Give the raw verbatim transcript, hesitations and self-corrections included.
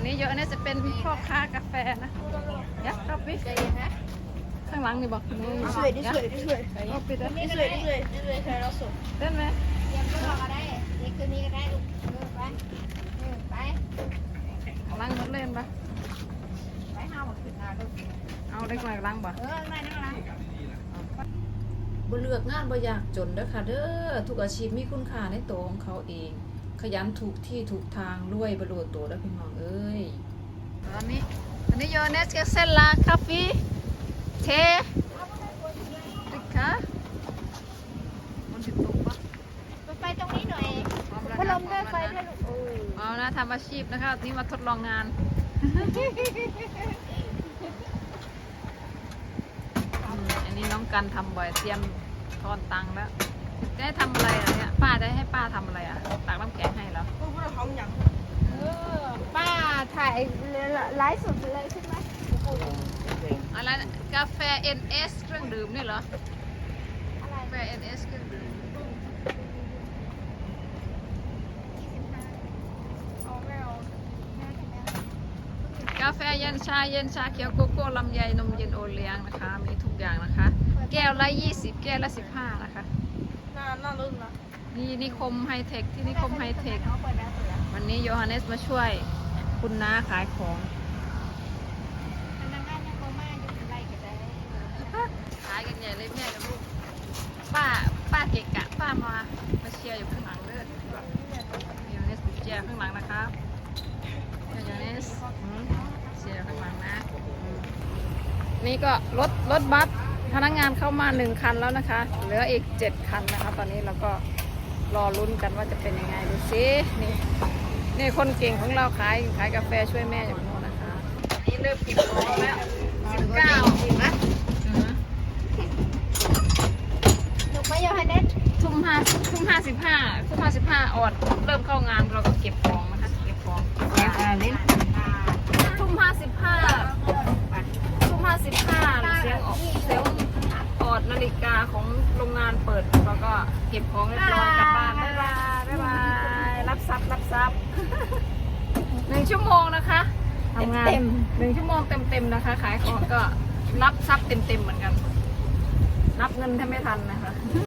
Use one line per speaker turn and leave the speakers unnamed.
นี้เยอะเนี่ยจะเป็นพ่อค้ากาแฟนะยักษ์ครับพี่ข้างหลังนี่บอกนี่
ช่วยดิช่วยดิช่วย
เอาปิดแล้ว
ดิช่วยดิช่วยดิช่วยใช้เราสุด
เล่นไหม
เยี่ยมก็ก็ได้เด็กคืนนี้ก็ได้ลูกเออไปเออไป
ข้างหลังมันเล่นปะ
ไปห้าหมดขึ้นมาลูก
เอาได้กว่าหลังปะ
เออไม่นั่งร้าน
บ่เลือกงานบ่อยากจนเด้อค่ะเด้อทุกอาชีพมีคุณค่าในตัวของเขาเอง ขยันถูกที่ถูกทางรวยบ่รู้ตัวเด้อพี่น้องเอ้ย
ตอนนี้ตอนนี้โยเนสก็เซลลาคาเฟ่เทดิค่ะมันติดตุกปะ
ไปตรงนี้หน่อยพัดลมด้วยไฟด้วยลูกเออ
เอานะทำอาชีพนะคะนี่มาทดลองงานอืมอันนี้น้องกันทำบ่อยเตรียมทอนตังค์แล้วจะให้ทำอะไรอ่ะเนี่ยป้าจะให้ป้าทำอะไรอ่ะตักน้ำแข็งให้เหรอ
พวกเราทำอย่าง
เออป้าถ่ายไลฟ์สดเลยใช่ไหม
อะไรนะกาแฟ เอ็น เอส เครื่องดื่มนี่เหรอ
อะไร
กาแฟ เอ็น เอส เครื่องดื่ม
เอาไม่เอาแม่ทำไม
กาแฟเย็นชาเย็นชาเขียวโกโก้ลำไยนมเย็นโอเลี้ยงนะคะ มีทุกอย่างนะคะ แก้วละยี่สิบแก้วละสิบห้านะคะ
น่าน่ารุ่นนะ
นี่นิคมไฮเทคที่นิคมไฮเทค
เอาเปิดแล้วเปิดแล้ว
วันนี้โยฮันเนสมาช่วยคุณน้าขายของ
พนักงานยังโคม่าอยู่ไรกันได้
ขายกันใหญ่เลยแม่กับลูกป้าป้าเกะกะป้ามามาเชียร์อยู่ข้างหลังเลยโยฮันเนสเชียร์ข้างหลังนะคะโยฮันเนสอืมเชียร์ข้างหลังนะอืมนี่ก็รถรถบัสพนักงานเข้ามาหนึ่งคันแล้วนะคะ เหลืออีกเจ็ดคันนะคะตอนนี้เราก็รอลุ้นกันว่าจะเป็นยังไงดูสินี่นี่คนเก่งของเราขายขายกาแฟช่วยแม่อยู่โน่นนะคะนี่เริ่มเก็บของแล้วสิบเก้า
ลูกไม่ยอมให้เด็ด
ทุ่มห้าทุ่มห้าสิบห้าทุ่มห้าสิบห้าออดเริ่มเข้างานเราก็เก็บของนะคะเก็บของเก็บอะไรทุ่มห้าสิบห้าทุ่มห้าสิบห้าเสียงออกเสียงออดนาฬิกาของโรงงานเปิดเราก็เก็บของเรียบร้อยกลับบ้านบ๊ายบายบ๊ายบายรับทรัพย์รับทรัพย์หนึ่งชั่วโมงนะคะทำงานหนึ่งชั่วโมงเต็มๆนะคะ ขายของก็รับทรัพย์เต็มๆเหมือนกัน นับเงินแทบไม่ทันนะคะ